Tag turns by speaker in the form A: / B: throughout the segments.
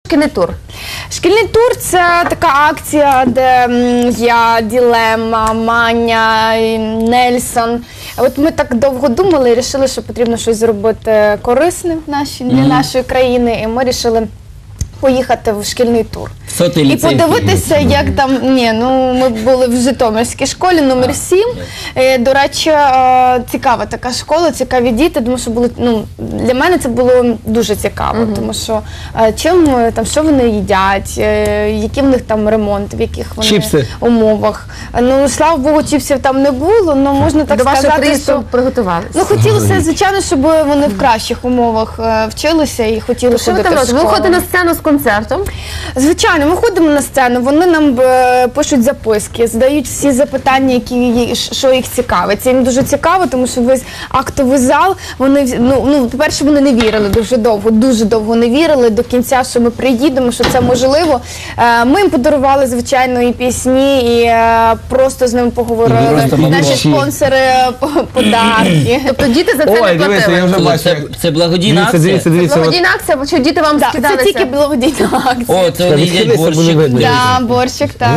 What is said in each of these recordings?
A: Шкільний тур.
B: Шкільний тур – це така акція, де я, Ділема, Маня, Нельсон. От ми так довго думали і вирішили, що потрібно щось зробити корисне для нашої країни. І ми вирішили поїхати в шкільний тур. І подивитися, як там, ми були в Житомирській школі номер 7. До речі, цікава така школа, цікаві діти, тому що для мене це було дуже цікаво, тому що що вони їдять, які в них там ремонт, в яких вони умовах. Слава Богу, чіпсів там не було, але можна так сказати, що...
A: До вашого приїзду приготувалися?
B: Хотілося, звичайно, щоб вони в кращих умовах вчилися і хотіли ходити в школу.
A: Ви ходите на сцену з концертом?
B: Звичайно, ми ходимо на сцену, вони нам пишуть записки, задають всі запитання, що їх цікавить. Це їм дуже цікаво, тому що весь актовий зал, по-перше, вони не вірили дуже довго не вірили до кінця, що ми приїдемо, що це можливо. Ми їм подарували, звичайно, і пісні, і просто з ними поговорили. Наші спонсори подарки.
A: Тобто діти за це не платили?
C: Це благодійна акція?
A: Це благодійна акція, чи діти вам скидалися?
B: Це тільки благодійна акція.
C: О, це вони їдять борщик.
B: Так, борщик, так.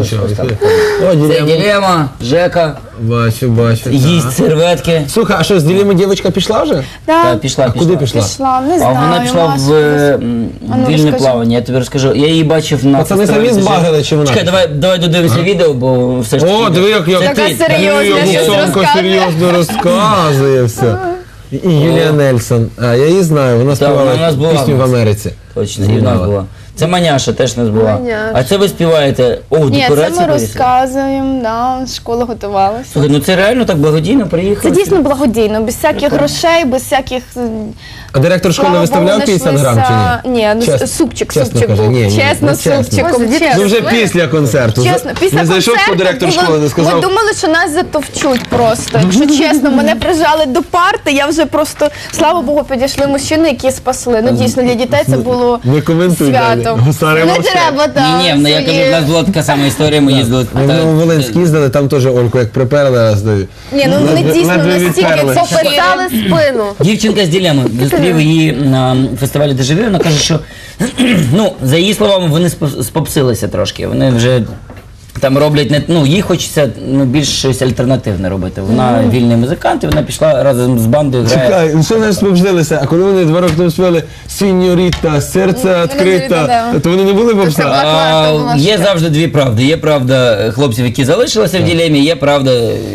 C: Це Ділема, Жека.
D: Бачу.
C: Їсть серветки.
D: Слухай, а що, з Ділеми дівчинка пішла вже?
B: Так,
C: пішла.
D: Куди пішла?
B: не знаю.
C: А вона пішла в вільне плавання, я тобі розкажу. Я її бачив на
D: фестивалі. Пацани самі збагрили, чи вона?
C: Чекай, давай додивимося відео, бо все ж таки...
D: О, диви, як Гуцонко серйозно розказує все. І Юлія Нельсон. Я її знаю, вона співала пісню в Америці.
C: Точно, і в нас була. Це Маняша теж не була. А це ви співаєте?
B: Ні, це ми розказуємо, школа готувалася.
C: Слухай, це реально так благодійно приїхали?
B: Це дійсно благодійно, без всяких грошей, без всяких...
D: А директор школи виставляв 50 грам чи ні?
B: Ні, супчик був. Чесно, супчиком.
D: Ну вже після концерту. Не зайшов по директор школи, не сказав.
B: Ми думали, що нас затовчуть просто. Якщо чесно, мене прижали до парти, я вже просто, слава Богу, підійшли мужчини, які спасли. Дійсно, для дітей це було свято. Не треба, так.
C: Ні, я кажу, в нас була така сама історія, ми їздили.
D: Ми в Волинськ їздили, там теж Ольку як приперли.
B: Ні, вони дійсно настільки
A: попитали спину.
C: Дівчинка з Ділеми, зустрів її на фестивалі Дежавю, вона каже, що, за її словами, вони спопсилися трошки, вони вже там роблять, їй хочеться більш щось альтернативне робити. Вона вільний музикант, і вона пішла разом з бандою грає.
D: Чекай, що вони спопсилися? А коли вони 2 роки тому співали «Сіньоріта, серце відкрите», то вони не були попса?
C: Є завжди дві правди. Є правда хлопців, які залишилися в Ділемі, є правда...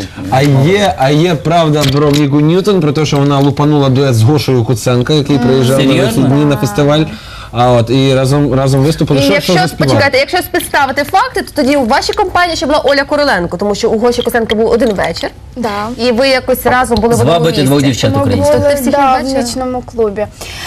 D: А є правда про Віку Ньютон, про те, що вона лупанула дует з Гошою Куценко, який приїжджав на вихідні на фестиваль. І разом виступили.
A: Почекайте, якщо співставити факти, то тоді у вашій компанії ще була Оля Короленко, тому що у Гоші Куценко був один вечір, і ви якось разом були в одному місці.
C: Звабити 2 дівчат українських.
B: Так, в нічному клубі.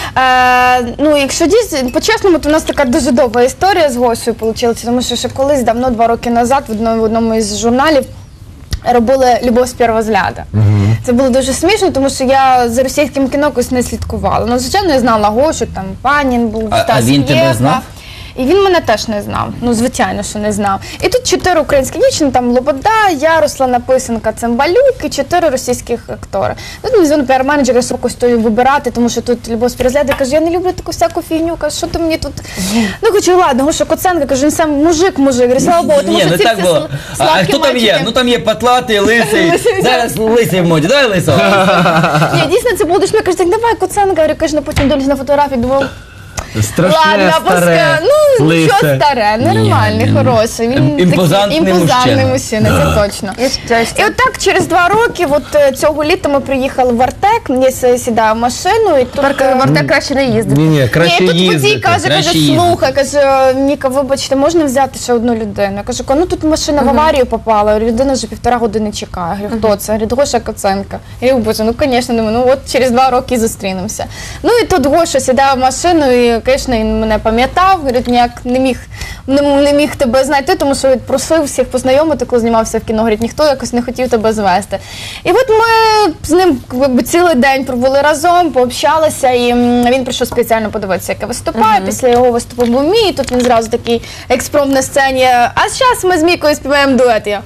B: Якщо дійсно, по-чесному, то у нас така дуже довга історія з Гошею вийшла, тому що ще колись, давно, 2 роки назад, в одному із журналів робили «Любов з першого взгляду». Це було дуже смішно, тому що я за російським кіно якось не слідкувала. Звичайно, я знала Гошу, там Панін був,
C: А він тебе знав?
B: І він мене теж не знав. Звичайно, що не знав. І тут 4 українські дівчини, там Лобода, я, Руслана Писанка, Цимбалюк і 4 російських актори. Тут мені дзвонить піар-менеджер, я срокою стою вибирати, тому що тут Любов з перегляду. Я кажу, я не люблю таку всяку фігню, кажу, що ти мені тут... Кажу, ладно, Гоша Куценко, кажу, він сам мужик. Говорю, слава Богу, тому що ці всі
C: А хто там є? Там є патлатий, лисий. Зараз лисий в моді, давай лисого.
B: Ні, дійсно, це було дуже, кажу, давай Куценко, говорю, потім дивлюсь на фотографії, думав,
D: страшне, старе,
B: що старе, нормальний, хороший. Він
C: імпозантний
B: мужчина, це точно. І от так, через 2 роки, цього літа ми приїхали в Артек, я сідаю в машину, і тут...
A: В Артек краще не їздити.
D: Ні, краще їздити.
B: І тут водій каже, слухай, каже, Ніка, вибачте, можна взяти ще одну людину? Я кажу, тут машина в аварію попала, людина вже 1,5 години чекає. Я говорю, хто це? Говорить, Гоша Куценко. Я говорю, боже, звісно, думаю, через 2 роки зустрінемося. І тут Гоша сідає в машину, і звісно, він мене пам'ятав, говорить, ніяк не міг тебе знайти, тому що просив всіх познайомити, коли знімався в кіно, говорить, ніхто якось не хотів тебе звести. І от ми з ним цілий день провели разом, пообщалися, і він прийшов спеціально подивитися, як я виступаю. Після його виступу був мій, і тут він зразу такий експромт на сцені, а зараз ми з Мікою співаємо дует. Я.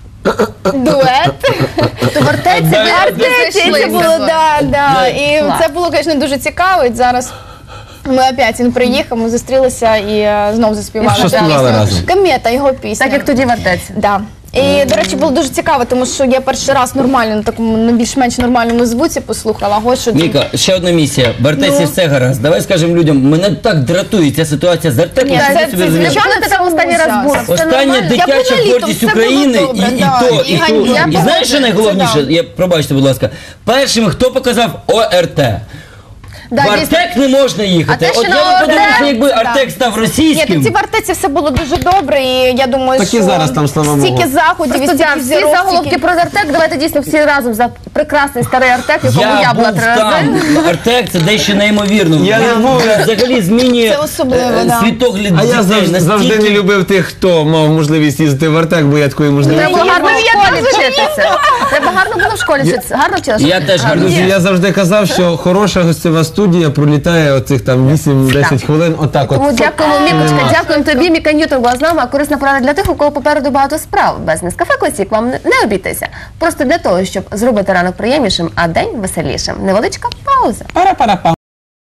B: Дует.
A: То в Артеці
B: це було, так. І це було, звісно, дуже цікаво. І зараз Ми опять, він приїхав, ми зустрілися і знов заспівали.
D: І що співали разом?
B: «Комета», його пісня.
A: Так як тоді в Артеці.
B: Да. І, до речі, було дуже цікаво, тому що я перший раз нормально, на такому на більш-менш нормальному звуці послухала. Гошу.
C: Міка, ще одна місія. В Артеці все гаразд. Давай скажемо людям, мене так дратує ця ситуація з Артеком.
B: Ні,
C: що
B: це
C: ви собі розумієте.
A: Звичайно, ти там останній раз був. Це
C: Остання
A: нормально.
C: дитяча
B: Я була літом,
C: гордість
B: все було
C: України
B: добре,
C: і
B: да,
C: то,
B: і
C: і то.
B: ганьба.
C: І знаєш, що найголовніше?
B: Це
C: Пробачте, будь ласка. Першим, хто показав ОРТ.
A: Да,
C: В
A: дійсно.
C: Артек не можна їхати.
A: А те,
C: От
A: що
C: я
A: на
C: би подивився,
A: Артек,
C: якби
B: да.
C: Артек став
B: Ні,
C: російським.
B: тоді в Артеці все було дуже добре, і я думаю,
D: Так і
B: що
D: зараз там, слава Богу.
B: стільки заходів, і
A: Просто
B: стільки
A: всі
B: зірок,
A: заголовки
B: стільки-
A: про Артек, давайте дійсно всі разом за прекрасний старий Артек, в якому я була
C: був
A: 3 рази.
C: там. Артек це дещо неймовірно.
D: Я не був.
C: Взагалі змінює
B: Це особливо, да.
C: світогляд
D: А я
C: дітей
D: завжди не
C: настільки.
D: любив тих, хто мав можливість їздити в Артек, бо я такої можливості.
A: Треба було гарно в
B: Я
A: школі
B: теж
A: вчитися. Треба гарно було в школі вчитися. Гарно вчилася?
C: Я теж гарно.
D: Друзі, я завжди казав, що хороша гостьова студія пролітає оцих там 8-10 хвилин, отак от.
A: Тому дякуємо, Мікочка,
D: Нема.
A: дякуємо тобі. Міка Ньютон була з нами, а корисна порада для тих, у кого попереду багато справ. Без Нескафе Класік вам не обійтися. Просто для того, щоб зробити ранок приємнішим, а день веселішим. Невеличка пауза.
D: Пара-пара-пам.